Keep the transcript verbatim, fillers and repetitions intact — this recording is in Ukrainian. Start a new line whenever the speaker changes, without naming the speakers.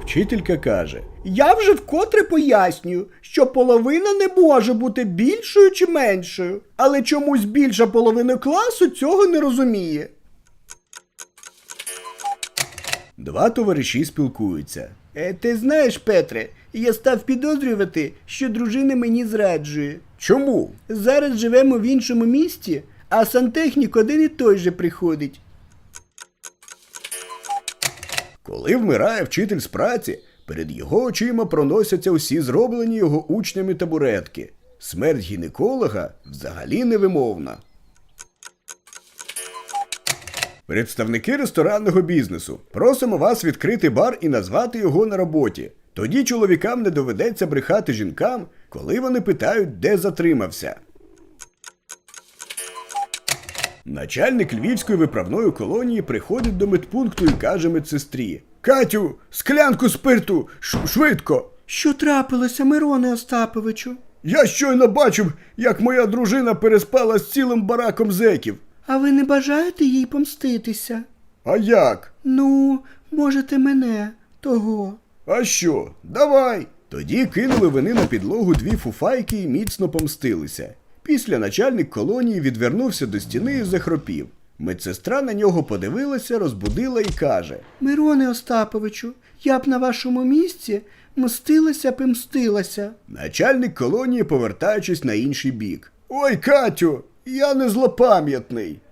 Вчителька каже: «Я вже вкотре пояснюю, що половина не може бути більшою чи меншою, але чомусь більша половина класу цього не розуміє». Два товариші спілкуються. Е, ти знаєш, Петре, я став підозрювати, що дружина мені зраджує. Чому? Зараз живемо в іншому місті, а сантехнік один і той же приходить. Коли вмирає вчитель з праці, перед його очима проносяться усі зроблені його учнями табуретки. Смерть гінеколога взагалі невимовна. Представники ресторанного бізнесу, просимо вас відкрити бар і назвати його на роботі. Тоді чоловікам не доведеться брехати жінкам, коли вони питають, де затримався. Начальник Львівської виправної колонії приходить до медпункту і каже медсестрі: «Катю, склянку спирту, ш- швидко!» «Що трапилося, Мироне Остаповичу?» «Я щойно бачив, як моя дружина переспала з цілим бараком зеків». «А ви не бажаєте їй помститися?» «А як?» «Ну, можете мене, того». «А що? Давай!» Тоді кинули вони на підлогу дві фуфайки і міцно помстилися. Після начальник колонії відвернувся до стіни і захропів. Медсестра на нього подивилася, розбудила і каже: «Мироне Остаповичу, я б на вашому місці мстилася б і мстилася». Начальник колонії, повертаючись на інший бік: «Ой, Катю, я не злопам'ятний».